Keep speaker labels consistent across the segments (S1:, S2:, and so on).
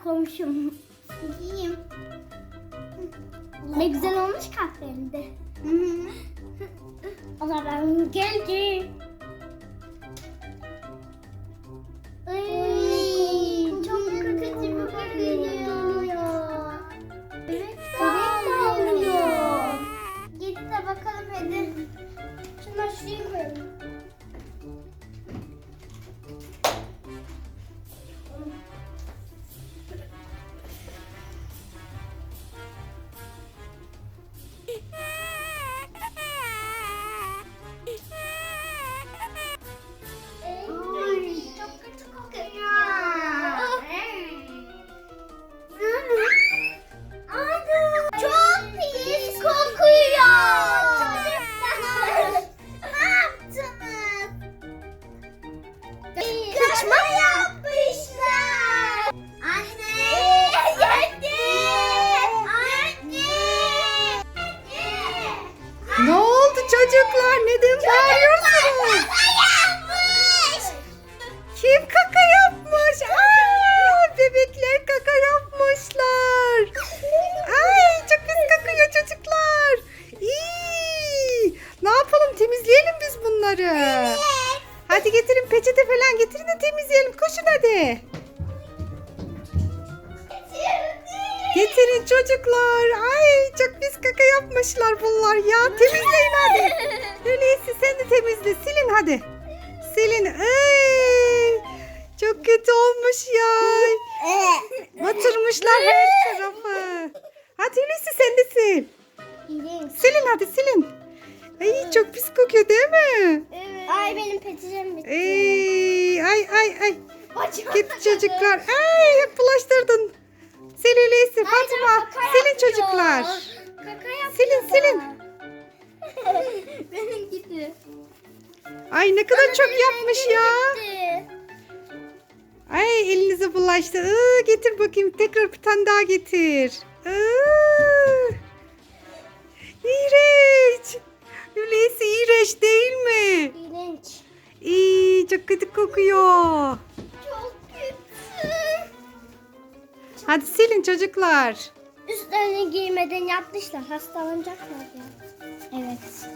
S1: komşum.
S2: Yiyeyim.
S1: Ne güzel olmuş kahvende. O zaman geldi. Ay, çok kötü bir geliyor.
S2: Evet,
S1: Evet, oluyor.
S2: Git de bakalım hadi. Şunları şuraya koyalım. Ay, çok kötü kokuyor. Çok pis kokuyor. Ne yaptınız? Kaçma yapmışlar. Anne. Anne.
S3: Ne oldu çocuklar? Neden bağırıyorsunuz? Kim kaka yapmış? Aa, bebekler kaka yapmışlar. Ay, çok pis kakıyor çocuklar. İyi. Ne yapalım? Temizleyelim biz bunları. Hadi getirin, peçete falan getirin de temizleyelim. Koşun hadi. Getirin çocuklar. Ay, çok pis kaka yapmışlar bunlar ya. Temizleyin hadi. Öyleyse sen de temizle. Silin hadi. Silin. Ay, çok kötü olmuş ya. Batırmışlar her tarafı. Hadi Hulusi sen de sil. Silin hadi silin. Ay, çok pis kokuyor değil mi?
S1: Ay benim peçetem bitti.
S3: Ay. Gitti çocuklar. Ay, hep bulaştırdın. Sil Hulusi, Fatma. Silin çocuklar.
S1: Kaka yapıyor.
S3: Silin.
S1: Benim gitti.
S3: Ay, ne kadar çok yapmış ya.
S1: Gitti.
S3: Ay, elinize bulaştı. Getir bakayım. Tekrar bir tane daha getir. İğrenç. Hulusi, iğrenç değil mi?
S1: İğrenç.
S3: İyi, çok kötü kokuyor.
S1: Çok kötü.
S3: Hadi silin çocuklar.
S1: Üstlerini giymeden yapmışlar. Hastalanacaklar ya. Evet.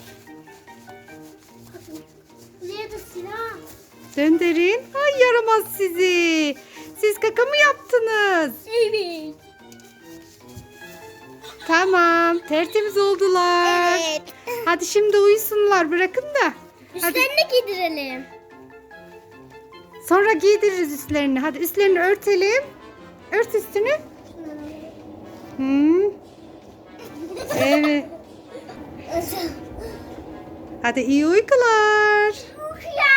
S1: Buraya da silah.
S3: Döndürün. Ay, yaramaz sizi. Siz kaka mı yaptınız?
S1: Evet.
S3: Tamam. Tertemiz oldular.
S1: Evet.
S3: Hadi şimdi uyusunlar. Bırakın da. Hadi.
S1: Üstlerini giydirelim.
S3: Sonra giydiririz üstlerini. Hadi üstlerini örtelim. Ört üstünü. Evet. Hadi iyi uykular.
S1: Uykuya.